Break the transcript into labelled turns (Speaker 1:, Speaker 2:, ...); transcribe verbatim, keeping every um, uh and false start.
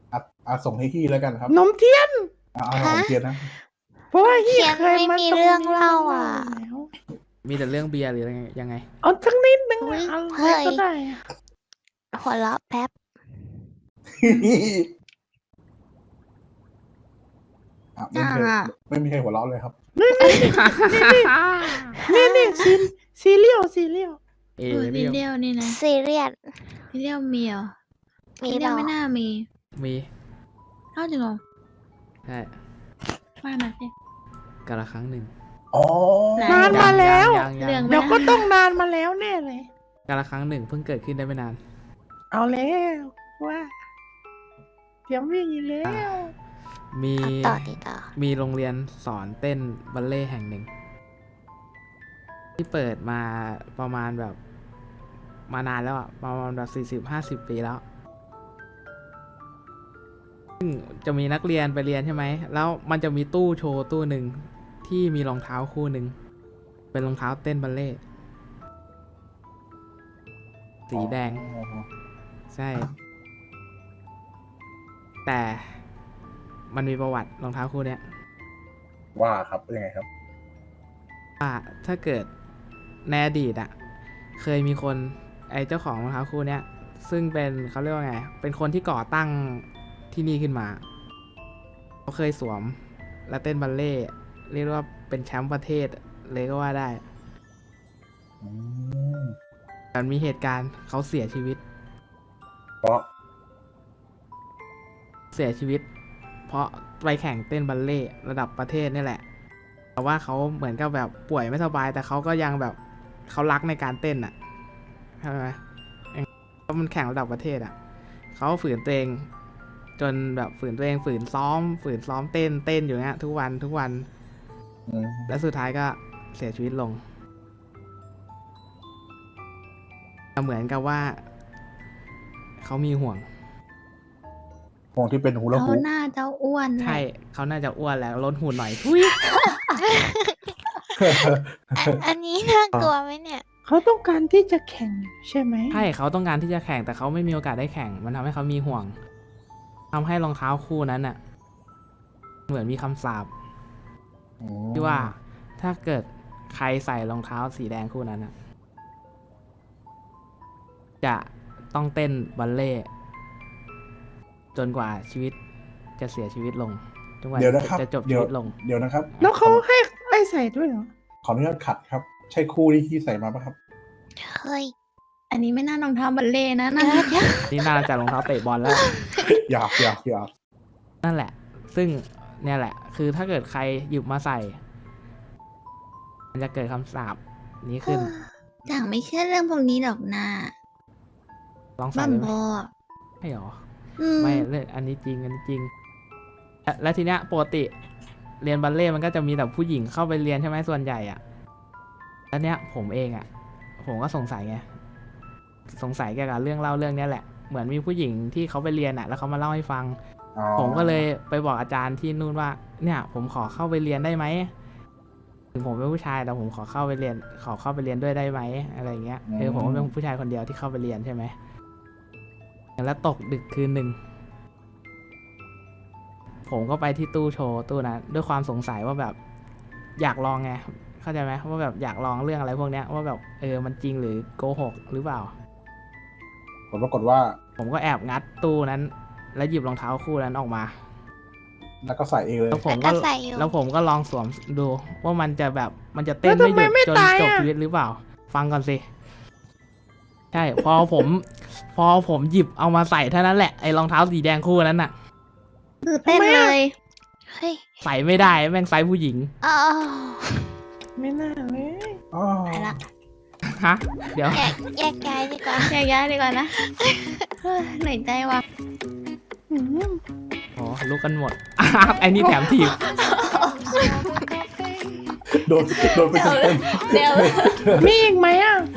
Speaker 1: อ่ะอ่ะส่งให้พี่แล้วกันครับ
Speaker 2: นมเทียน
Speaker 1: อ่ะเอาของเทียนนะ
Speaker 2: เพราะว่าเฮีย
Speaker 3: เทียน
Speaker 2: เคย
Speaker 3: ไม่
Speaker 2: มา
Speaker 3: มี
Speaker 2: ตรง
Speaker 3: เรื่อง
Speaker 2: นี้
Speaker 3: เล่า
Speaker 2: มา
Speaker 3: อ่ะ
Speaker 2: แล้ว
Speaker 4: มีแต่เรื่องเบียร์หรือยังไง
Speaker 2: เอาสักนิดนึง
Speaker 3: อุ๊ย
Speaker 2: อะ
Speaker 3: เฮ้
Speaker 2: อะไร
Speaker 3: ย
Speaker 2: ก็ได้อะ
Speaker 3: หัวเราะแป๊บ
Speaker 1: อ่ะไม่มีใคร
Speaker 3: อ่า
Speaker 1: ไม่มีใครหัวเราะเลยครับ
Speaker 2: นี่นี่ซีซีเรียลซีเรียล
Speaker 4: เอ
Speaker 5: เออ
Speaker 4: เรี
Speaker 5: ซี
Speaker 4: ยล
Speaker 5: เรียลนี่นะ
Speaker 3: ซีเรียส
Speaker 5: ซีเรียลมีเหรอ
Speaker 3: มี
Speaker 5: ซี
Speaker 3: เป
Speaker 5: เรียล
Speaker 3: ล่า
Speaker 5: ไม่น่ามี
Speaker 4: มี
Speaker 5: เอ้าจริงเหรอ
Speaker 4: ใช่
Speaker 5: ว่ามาสิ
Speaker 4: กาละครั้งหนึ่ง
Speaker 1: อ๋อ
Speaker 5: ไหน
Speaker 2: นานมาแล้ว
Speaker 4: ยังยัง
Speaker 5: เรื่
Speaker 4: ยั
Speaker 5: อง
Speaker 4: ง
Speaker 2: เดี๋ยวก็ต้องนานมาแล้วแน่เลย
Speaker 4: กาละครั้งหนึ่งเพิ่งเกิดขึ้นได้ไม่นาน
Speaker 2: เอาแล้วว่าเตรียมวิ่งอีกแล้ว
Speaker 4: มี
Speaker 3: ต่อติดต่อ
Speaker 4: มีโรงเรียนสอนเต้นบัลเล่ต์แห่งหนึ่ง ที่เปิดมาประมาณแบบมานานแล้วอะประมาณแบบสี่สิบห้าสิบปีแล้วซึ่งจะมีนักเรียนไปเรียนใช่ไหมแล้วมันจะมีตู้โชว์ตู้หนึ่งที่มีรองเท้าคู่หนึ่งเป็นรองเท้าเต้นบัลเล่ต์สีแดง
Speaker 1: อ๋อ
Speaker 4: ใช่ แต่มันมีประวัติรองเท้าคู่เนี้ย
Speaker 1: ว่าครับยังไงครับ
Speaker 4: ว่าถ้าเกิดในอดีตอะเคยมีคนไอ้เจ้าของรองเท้าคู่เนี้ยซึ่งเป็นเขาเรียกว่าไงเป็นคนที่ก่อตั้งที่นี่ขึ้นมาเขาเคยสวมและเต้นบัลเล่ต์เรียกว่าเป็นแชมป์ประเทศเลยก็ว่าได้
Speaker 1: อืม
Speaker 4: แต่มีเหตุการณ์เขาเสียชีวิต
Speaker 1: เพราะ
Speaker 4: เสียชีวิต เพราะไปแข่งเต้นบัลเล่ต์ระดับประเทศนี่แหละ แต่ว่าเขาเหมือนกับแบบป่วยไม่สบาย แต่เขาก็ยังแบบเขารักในการเต้นอ่ะใช่ไหมเพราะมันแข่งระดับประเทศอ่ะเขาฝืนตัวเอง จนแบบฝืนตัวเองฝืนซ้อม ฝืนซ้อมเต้นเต้นอยู่เงี้ยทุกวันทุกวัน
Speaker 1: อืม
Speaker 4: และสุดท้ายก็เสียชีวิตลงเหมือนกับว่าเขามีห่วง
Speaker 1: วงที่เป็นฮูลา
Speaker 5: เขา
Speaker 1: ฮูป
Speaker 5: น่าจะอ้วนแหละ
Speaker 4: ใช่เขาน่าจะอ้วนแล้วลดหุ่นหน่อยทุย
Speaker 3: อ่ะอันนี้น่ากลัวไหมเนี่ย
Speaker 2: เขาต้องการที่จะแข่งใช่ไหม
Speaker 4: ใช่เขาต้องการที่จะแข่งแต่เขาไม่มีโอกาสได้แข่งมันทำให้เขามีห่วงทำให้รองเท้าคู่นั้นน่ะเหมือนมีคำสาปที่ว่าถ้าเกิดใครใส่รองเท้าสีแดงคู่นั้นน่ะจะต้องเต้นบัลเล่ต์จนกว่าชีวิตจะเสียชีวิตลงจนกว่า
Speaker 1: เดี๋ยวนะครับ
Speaker 4: จะจบชี
Speaker 1: เดี๋ยว
Speaker 4: วิตลง
Speaker 1: เดี๋ยวนะครับ
Speaker 2: แล้วเขาให้ให้ใส่ด้วยเหรอ
Speaker 1: ขออนุญาตขัดครับ ใช่คู่ที่ที่ใส่มาปะครับ
Speaker 3: เฮ้ย
Speaker 5: อันนี้ไม่น่ารองเท้าบัลเล่ต์นะ
Speaker 3: เดี๋
Speaker 5: นะ
Speaker 3: ยวเดี๋ยว
Speaker 4: นี่น่าจะรองเท้าเตะบอลแล้ว
Speaker 1: อยากอยากอยาก
Speaker 4: นั่นแหละ ซึ่งเนี่ยแหละ คือถ้าเกิดใครหยิบมาใส่ มันจะเกิดคำสาปนี้ขึ้น
Speaker 5: จังไม่เชื่อเรื่องพวกนี้หรอกนะ
Speaker 4: ลองใส่
Speaker 5: บ้า
Speaker 4: เลยไหม
Speaker 5: บอ
Speaker 4: ไม่หรอ
Speaker 5: อืม
Speaker 4: ไม่เรื่องอันนี้จริง อันนี้จริง และและทีเนี้ยปกติเรียนบัลเล่ต์มันก็จะมีแต่ผู้หญิงเข้าไปเรียนใช่ไหมส่วนใหญ่อะแล้วเนี้ยผมเองอะผมก็สงสัยไง สงสัยเกี่ยวกับเรื่องเล่าเรื่องเนี้ยแหละ เหมือนมีผู้หญิงที่เขาไปเรียนอะแล้วเขามาเล่าให้ฟัง
Speaker 1: อ๋อ
Speaker 4: ผมก็เลยไปบอกอาจารย์ที่นู่นว่า เนี่ยผมขอเข้าไปเรียนได้ไหม ถึงผมเป็นผู้ชายแต่ผมขอเข้าไปเรียน ขอเข้าไปเรียนด้วยได้ไหมอะไรเงี้ยเออผมก็เป็นผู้ชายคนเดียวที่เข้าไปเรียนใช่ไหมแล้วตกดึกคืนหนึ่งผมก็ไปที่ตู้โชว์ตู้นั้นด้วยความสงสัยว่าแบบอยากลองไงเข้าใจไหมว่าแบบอยากลองเรื่องอะไรพวกเนี้ยว่าแบบเออมันจริงหรือโกหกหรือเปล่า
Speaker 1: ผลปรากฏว่า
Speaker 4: ผมก็แอบงัดตู้นั้น แล้วหยิบรองเท้าคู่นั้นออกมา
Speaker 1: แล้วก็ใส่เองเลย
Speaker 4: แล้วผม
Speaker 3: แล้ว
Speaker 4: ก็
Speaker 3: ก็ใส่อยู่
Speaker 4: แล้วผมก็ลองสวมดู ว่ามันจะแบบมันจะเต้น
Speaker 2: แล้วทำไม
Speaker 4: ไม่หยุด
Speaker 2: ไม่
Speaker 4: จน
Speaker 2: ตาย
Speaker 4: จบ
Speaker 2: อะ
Speaker 4: ชีวิตหรือเปล่า ฟังก่อนสิ ใช่ พอผม พอผมหยิบเอามาใส่เท่านั้นแหละไอ้รองเท้าสีแดงคู่นั้นน่ะ
Speaker 5: คือเต้นเลย
Speaker 3: เฮ้ย
Speaker 4: ใส่ไม่ได้แม่งไซส์ผู้หญิง
Speaker 3: อ้าว
Speaker 2: ไม่น่าเลย
Speaker 1: อ๋อ
Speaker 5: ไปละ
Speaker 4: ฮะ เดี๋ยว
Speaker 3: แยกแยกย้ายดีกว่า
Speaker 5: แยกย้ายดีกว่านะ เฮ้ยเหนื่อยใจว่ะ
Speaker 2: อืม
Speaker 4: อ๋อลุกกันหมด ไอ้นี่แถมถีบ
Speaker 1: โดนโดนไปเต็ม
Speaker 5: เดี๋ยว
Speaker 2: มีอีกไหมอ่ะ
Speaker 1: ๆ